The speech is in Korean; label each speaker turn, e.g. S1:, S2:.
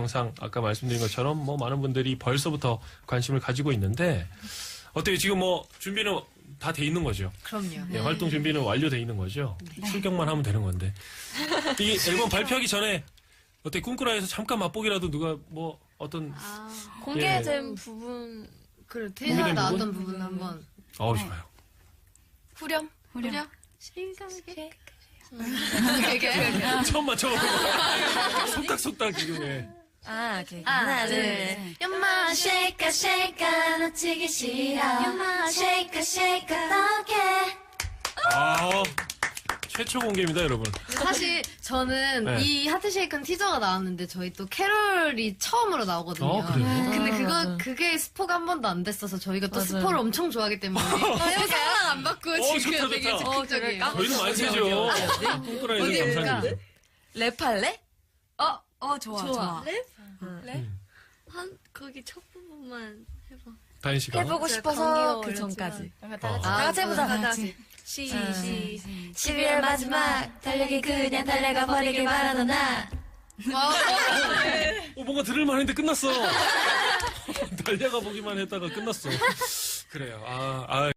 S1: 영상 아까 말씀드린 것처럼 뭐 많은 분들이 벌써부터 관심을 가지고 있는데 어때요? 지금 뭐 준비는 다 돼 있는 거죠?
S2: 그럼요.
S1: 네, 활동 준비는 완료돼 있는 거죠? 출격만 하면 되는 건데. 이 앨범 발표하기 전에 어때? 꿈꾸라에서 잠깐 맛보기라도 누가 뭐 어떤
S3: 공개된 부분.
S2: 그래,
S1: 공개된
S2: 테이사 나왔던
S1: 부분?
S2: 부분 한번.
S1: 좋아요.
S3: 후렴?
S2: 후렴?
S1: 처음 맞춰보고 속닥속닥 지금 해.
S3: 오케이.
S2: 하나, 둘,
S3: 연마 shake shake 놓치기 싫어. 연마 shake shake 어떡해.
S1: 최초 공개입니다, 여러분.
S2: 사실 저는
S1: 네.
S2: 이 하트쉐이크는 티저가 나왔는데 저희 또 캐롤이 처음으로 나오거든요.
S1: 그래요?
S2: 근데 그게 스포가 한 번도 안 됐어서 저희가 또 스포를 엄청 좋아하기 때문에 상상 안 받고 지금
S1: 좋다,
S2: 되게
S1: 좋다.
S2: 적극적이에요.
S1: 저희는 많이 세죠. 꿈꾸라에서
S2: 어디
S1: 감사드립니다.
S3: 랩할래?
S4: 좋아.
S3: 랩?
S4: 거기 첫 부분만 해봐.
S1: 다인 씨가.
S3: 해보고 싶어서 그 전까지. 다 같이 해보자.
S4: 다 같이.
S3: 12월 마지막 달력이 그냥 달려가 버리길 바라던 나.
S1: 뭔가 들을만 했는데 끝났어. 달려가 보기만 했다가 끝났어. 그래요.